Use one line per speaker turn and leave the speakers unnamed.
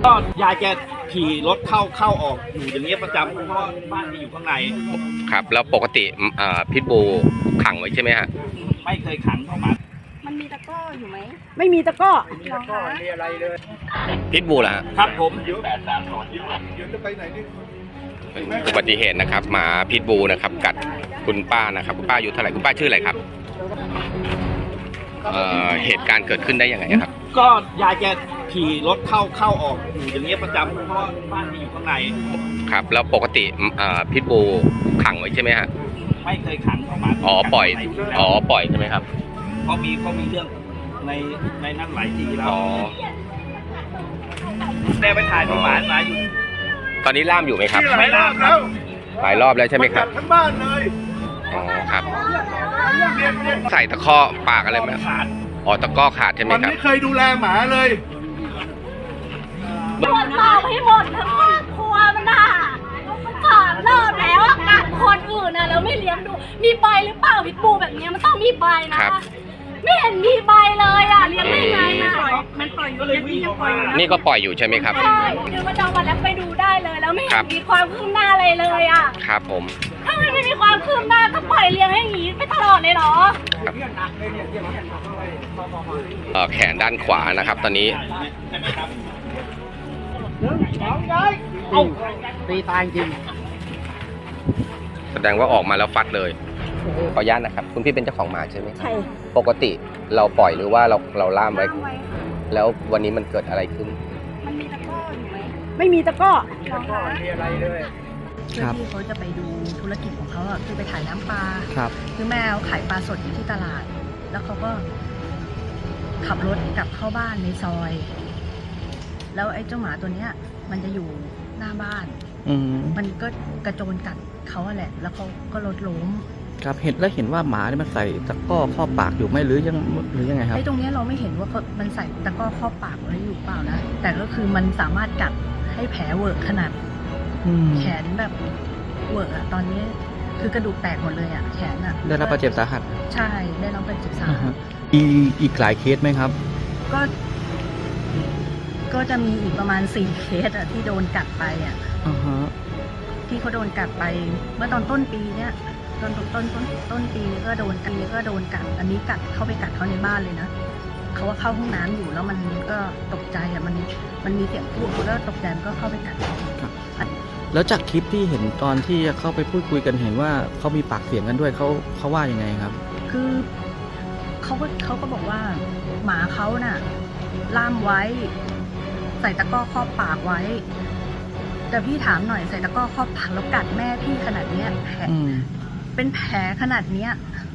ก็ยายแกขี่รถเข้าออกอยู่อย่างเงี้ยประจำเพราะบ้านที่อยู่ข้างใน
ครับแล้วปกติพิทบูขังไว้ใช่ไหมฮะ
ไม่เคยขังเข้ามา
มันมีตะกร้ออยู่ไหม
ไม่มีตะกร้อ
มีอะไรเลย
พิทบูล่ะ
ครับผม
เป็นอุบัติเหตุนะครับหมาพิทบูนะครับกัดคุณป้านะครับคุณป้าอายุเท่าไหร่คุณป้าชื่ออะไรครับเหตุการณ์เกิดขึ้นได้ยังไงครับ
ก็ยายแกขี่รถเข้าออกอยู่อย่างเงี้ยประจำเพราะบ้านที่อยู่ข้างใน
ครับแล้วปกติพิทบูขังไว้ใช่ไหมฮะ
ไม่เคยขังเข้ามา
ปล่อยใช่ไหมครับ
เขามีเรื่องในนั้นหลายทีแล้วแม่ไปถ่ายประมาณมาอยู่
ตอนนี้ล่ามอยู่ไหมครับ
ไม่ล่ามแล้ว
หลายรอบแล้วใช่ไหมครับ
ทั้งบ้านเลย
ครับใส่ตะข้อปากอะไรไหมตะก้อขาดใช่ไหมครับ
มันไม่เคยดูแลหมาเลย
ตรวจสอบให้หมดทั้งครอบครัวมันน่ะ3 รอบแล้วกัดคนอื่นนะแล้วไม่เลี้ยงดูมีใบหรือเปล่าพิทบูแบบนี้มันต้องมีใบนะไม่เห็นมีใบเลยเลี้ยงได้ไงมันปล่อยอยู่เลย
นี่ก็ปล่อยอยู่ใช่ไหมครับ
ใช่ดูประจำวันแล้วไปดูได้เลยแล้วไม่เห็นมีความคืบหน้าอะไรเลย
ครับผม
ถ้าไม่มีความคืบหน้าก็ปล่อยเลี้ยงให้อย่างนี้ไปตลอดเลยเหรอ
แขนด้านขวานะครับตอนนี้
ตีตายจริง
แสดงว่าออกมาแล้วฟัดเลยขออนุญาตนะครับคุณพี่เป็นเจ้าของหมาใช่ไหม
ใช่
ปกติเราปล่อยหรือว่าเราล่ามไว้แล้ววันนี้มันเกิดอะไรขึ้น
มันมีตะกร้ออยู่ไหม
ไม่มีตะกร้อ
มีอะไรเลย
เพื่อที่เขาจะไปดูธุรกิจของเขาคือไปขายน้ำปลาคือแม่ขายปลาสดอยู่ที่ตลาดแล้วเขาก็ขับรถกลับเข้าบ้านในซอยแล้วไอ้เจ้าหมาตัวเนี้ยมันจะอยู่หน้าบ้านมันก็กระโจนกัดเขาแหละแล้วเขาก็รถล้ม
ครับเห็นว่าหมาเนี่ยมันใส่ตะกร้อครอบปากอยู่ไหมหรือยังไงครับ
ไอ้ตรงนี้เราไม่เห็นว่ามันใส่ตะกร้อครอบปากไว้อยู่เปล่านะแต่ก็คือมันสามารถกัดให้แผลเวิร์กขนาดแขนแบบเวิร์กตอนนี้คือกระดูกแตกหมดเลยแขน
ได้รับบาดเจ็บสาหัส
ใช่ได้รับบาดเจ็บสาหัส
อีกหลายเคสไหมครับ
ก็จะมีอีกประมาณ4 เคสที่โดนกัดไปที่เขาโดนกัดไปเมื่อต้นปีเนี้ยต้นปีก็โดนกัดอันนี้กัดเข้าไปกัดเขาในบ้านเลยนะเขาว่าเข้าห้องน้ำอยู่แล้วมันก็ตกใจมันมีเสียงพูดแล้วตกใจมันก็เข้าไปกัดเขา
แล้วจากคลิปที่เห็นตอนที่เข้าไปพูดคุยกันเห็นว่าเขามีปากเสียงกันด้วยเขาว่ายังไงครับ
คือเขาก็บอกว่าหมาเขาน่ะล่ามไว้ใส่ตะกร้อครอบปากไว้แต่พี่ถามหน่อยใส่ตะกร้อครอบปากแล้วกัดแม่พี่ขนาดเนี้ยแผลเป็นแผลขนาดเนี้ย